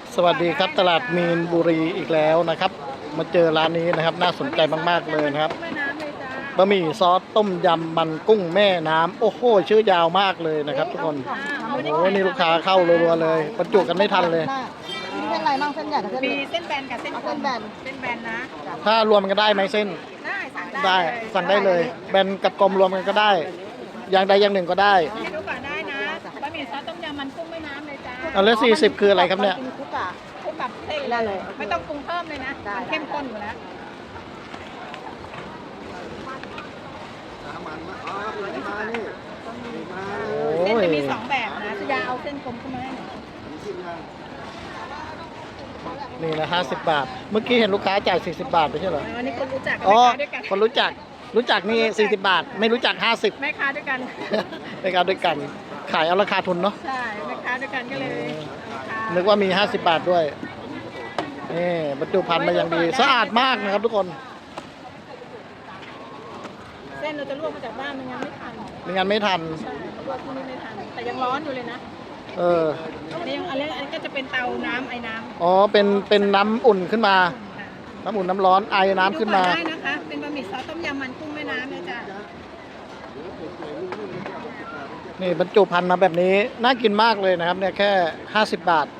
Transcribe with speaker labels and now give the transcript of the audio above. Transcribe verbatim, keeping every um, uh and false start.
Speaker 1: สวัสดีครับตลาดมีนบุรีอีกแล้วนะครับ มาเจอร้านนี้นะครับน่าสนใจมากๆเลยนะครับบะหมี่ซอสต้มยำมันกุ้งแม่น้ำโอ้โหชื่อยาวมากเลยนะครับทุกคนโอ้โหนี่ลูกค้าเข้ารัวๆเลยบรรจุกันไม่ทันเลย
Speaker 2: มีเส้นอะไรบ้างเส้นใหญ่กับเส้น
Speaker 3: มี
Speaker 2: เล็ก
Speaker 3: เส้นแบนกับเส้น
Speaker 2: เอาเส้นแบน
Speaker 3: เส้นแบนนะ
Speaker 1: ถ้ารวมกันได้ไหมเส้น
Speaker 3: ได้สั่งได้
Speaker 1: ได้สั่งได้เลยแบนกับกลมรวมกันก็ได้ อย่างใดอย่างหนึ่งก็ได้
Speaker 3: ให้ดูก่อนได้นะบะหมี่ซอสต้มยำมันกุ้งแม่น้ำเลยจ้า
Speaker 1: เอาแล้วสี่สิบคืออะไรครับเนี่ย
Speaker 2: กินคุกอะ
Speaker 3: คลุกกับเส้น
Speaker 2: ได้เลย
Speaker 3: ไม่ต้องปรุงเพิ่มเลยนะ
Speaker 2: ได้
Speaker 3: มันเข้มข้นอยู่แล้ว
Speaker 1: โอ้
Speaker 3: เส้น
Speaker 1: ย
Speaker 3: จะมีสองแบบนะจะยาเอาเส้นกลมขึ้นมาให้หน่อย
Speaker 1: นี่นะห้าสิบบาท เมื่อกี้เห็นลูกค้าจ่ายสี่สิบบาทไม่ใช่เหรอ
Speaker 3: อันนี้คนรู้จักกับ
Speaker 1: อ๋อ
Speaker 3: แม่ค้าด้วยกัน
Speaker 1: คนรู้จักรู้จักนี่สี่สิบบาท ไม่รู้จักห้าสิบ
Speaker 3: แม่ค้าด้วยกัน
Speaker 1: ในการด้วยกันขายเอาราคาทุนเนาะ
Speaker 3: ใช่แม่ค้าด้วยกันก็เลยราคา
Speaker 1: นึกว่ามีห้าสิบบาทด้วยนี่บรรจุภัณฑ์มาอย่างดีสะอาดมากนะครับทุกคน
Speaker 3: เส้นเราจะลวกมาจากบ้านไม่งั้นไม่ทัน
Speaker 1: ไม่งั้นไม่ทัน
Speaker 3: ใช่ลวกที่นี่ไม่ทันแต่ยังร้อนอยู่เลยนะ
Speaker 1: เออ
Speaker 3: อันนี้ยังอันนี้อันนี้ก็จะเป็นเตาน้ำไอ้น้ำ
Speaker 1: อ๋อเป็นเป็นน้ำอุ่นขึ้นมา
Speaker 3: ค่ะ
Speaker 1: น้ำอุ่นน้ำร้อนไอน้ำขึ้นมา
Speaker 3: ดูก่อได้นะคะ เป็นบะหมี่ซอสต้มยำมันกุ้งแม่น้ำเนี่ยจ้ะ
Speaker 1: นี่บรรจุภัณฑ์มาแบบนี้น่ากินมากเลยนะครับเนี่ยแค่ห้าสิบบาท